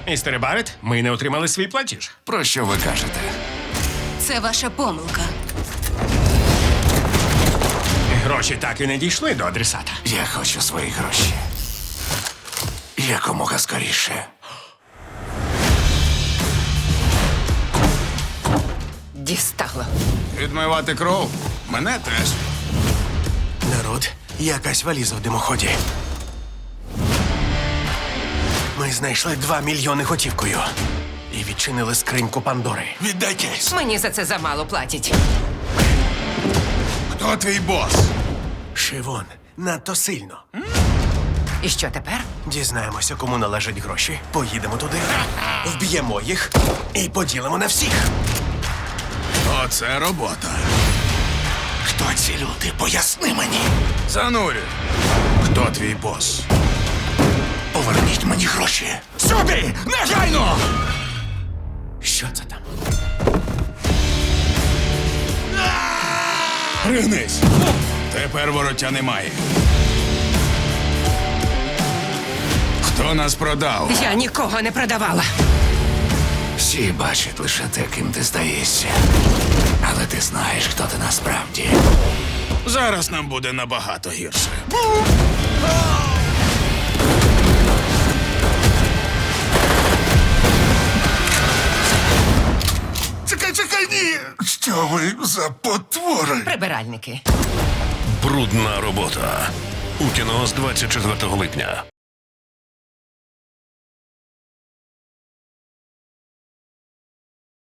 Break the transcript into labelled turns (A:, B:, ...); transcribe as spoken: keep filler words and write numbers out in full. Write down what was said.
A: Містере Барет, ми не отримали свій платіж.
B: Про що ви кажете?
C: Це ваша помилка.
A: Гроші так і не дійшли до адресата.
B: Я хочу свої гроші. Якомога скоріше.
C: Дістало.
B: Відмивати кров? Мене теж.
D: Народ, якась валіза в димоході. Ми знайшли два мільйони готівкою. І відчинили скриньку Пандори.
B: Віддай кейс.
C: Мені за це замало платять.
B: Хто твій бос?
D: Шивон, надто сильно.
C: І що тепер?
D: Дізнаємося, кому належать гроші. Поїдемо туди, вб'ємо їх і поділимо на всіх.
B: Оце робота.
D: Хто ці люди? Поясни мені.
B: Занурю. Хто твій бос?
D: Поверніть мені гроші.
B: Сюди! Негайно!
D: Що це там?
B: Пригнись! Тепер вороття немає. Хто нас продав?
C: Я нікого не продавала.
B: Всі бачать лише те, ким ти здаєшся. Але ти знаєш, хто ти насправді. Зараз нам буде набагато гірше. Чекай, чекай, ні! Що ви за потвори?
C: Прибиральники.
E: Брудна робота. У кіно з двадцять четвертого липня.